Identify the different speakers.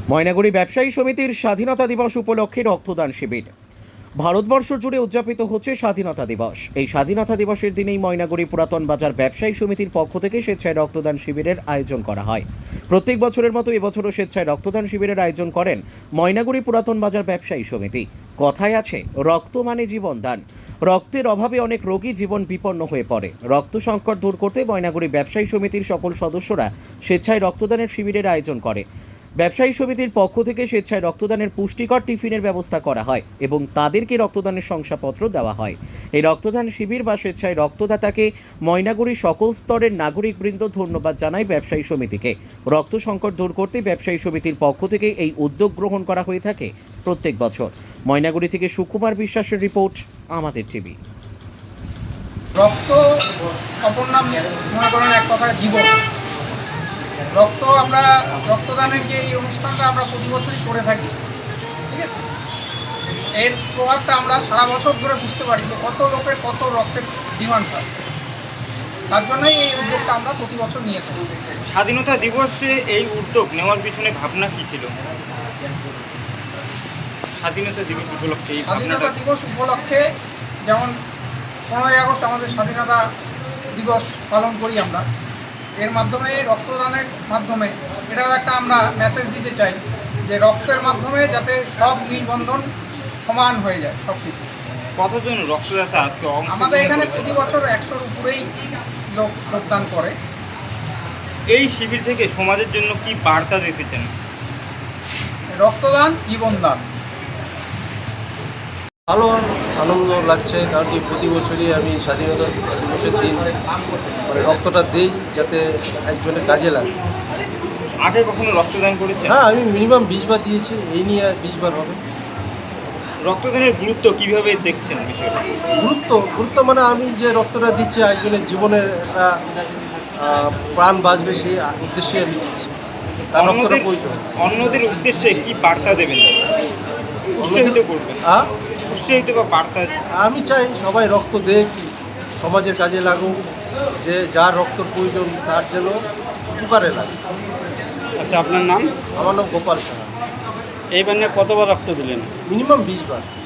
Speaker 1: ময়নাগুড়ি ব্যবসায়ী সমিতির স্বাধীনতা দিবস উপলক্ষে রক্তদান শিবির। ভারতবর্ষ জুড়ে উদযাপিত হচ্ছে স্বাধীনতা দিবস। এই স্বাধীনতা দিবসের দিনেই ময়নাগুড়ি পুরাতন বাজার ব্যবসায়ী সমিতির পক্ষ থেকে স্বেচ্ছায় রক্তদান শিবিরের আয়োজন করা হয়। প্রত্যেক বছরের মতো এবছরও স্বেচ্ছায় রক্তদান শিবিরের আয়োজন করেন ময়নাগুড়ি পুরাতন বাজার ব্যবসায়ী সমিতি। কথায় আছে, রক্ত মানে জীবন দান। রক্তের অভাবে অনেক রোগী জীবন বিপন্ন হয়ে পড়ে। রক্ত সংকট দূর করতে ময়নাগুড়ি ব্যবসায়ী সমিতির সকল সদস্যরা স্বেচ্ছায় রক্তদানের শিবিরের আয়োজন করে। ব্যবসায়ী সমিতির পক্ষ থেকে স্বেচ্ছায় রক্তদানের পুষ্টিকর টিফিনের ব্যবস্থা করা হয় এবং তাদেরকে রক্তদানের শংসাপত্র দেওয়া হয়। এই রক্তদান শিবির বা স্বেচ্ছায় রক্তদাতাকে ময়নাগুড়ির সকল স্তরের নাগরিকবৃন্দ ধন্যবাদ জানায় ব্যবসায়ী সমিতিকে। রক্ত সংকট দূর করতে ব্যবসায়ী সমিতির পক্ষ থেকে এই উদ্যোগ গ্রহণ করা হয়ে থাকে প্রত্যেক বছর। ময়নাগুড়ি থেকে সুকুমার বিশ্বাসের রিপোর্ট, আমাদের টিভি।
Speaker 2: রক্ত অপর নাম মনে করেন এক কথায় জীবন। আমরা রক্তদানের যে এই অনুষ্ঠানটা আমরা প্রতি বছরই করে থাকি, ঠিক আছে। এর প্রভাবটা আমরা সারা বছর ধরে বুঝতে পারি যে কত লোকের কত রক্তের ডিমান্ড হয়। তার জন্যই এই উদ্যোগটা আমরা প্রতি বছর নিয়ে থাকি।
Speaker 3: স্বাধীনতা দিবসে এই উদ্যোগ নেওয়ার পিছনে ভাবনা কী ছিল? স্বাধীনতা দিবস উপলক্ষে
Speaker 2: স্বাধীনতা দিবস উপলক্ষে যেমন 15ই আগস্ট আমাদের স্বাধীনতা দিবস পালন করি আমরা, এর মাধ্যমে রক্তদানের মাধ্যমে এটাও একটা আমরা মেসেজ দিতে চাই যে রক্তের মাধ্যমে যাতে সব নিবন্ধন সমান হয়ে যায় সব কিছু।
Speaker 3: কতজন রক্তদাতা আজকে
Speaker 2: আমাদের এখানে প্রতি বছর 100-র উপরেই লোক রক্তদান করে।
Speaker 3: এই শিবির থেকে সমাজের জন্য কি বার্তা দিতে চান?
Speaker 2: রক্তদান জীবনদান।
Speaker 4: ভালো আনন্দ লাগছে, কারণ কি প্রতি বছরই আমি স্বাধীনতা দিবসের দিন রক্তটা দিই যাতে একজনের কাজে লাগে।
Speaker 3: আগে কখনো রক্তদান করেছেন?
Speaker 4: হ্যাঁ, আমি মিনিমাম 20 বার দিয়েছি, এই নিয়ে 20 বার হবে।
Speaker 3: রক্তদানের গুরুত্ব কিভাবে দেখছেন বিষয়টা?
Speaker 4: গুরুত্ব মানে আমি যে রক্তটা দিচ্ছি একজনের জীবনের একটা প্রাণ বাঁচবে, সেই উদ্দেশ্যে আমি দিচ্ছি। তার রক্তটা প্রয়োজন।
Speaker 3: অন্যদের উদ্দেশ্যে কি বার্তা দেবেন? উৎসাহিত করবেন? উৎসাহিত বা বার্তা?
Speaker 4: আমি চাই সবাই রক্ত দেখ, সমাজের কাজে লাগুক, যে যার রক্তর প্রয়োজন তার যেন উপকারে লাগে।
Speaker 3: আচ্ছা, আপনার নাম?
Speaker 4: আমার নাম গোপাল সাহা।
Speaker 3: এইবার কতবার রক্ত দিলেন?
Speaker 4: মিনিমাম 20 বার।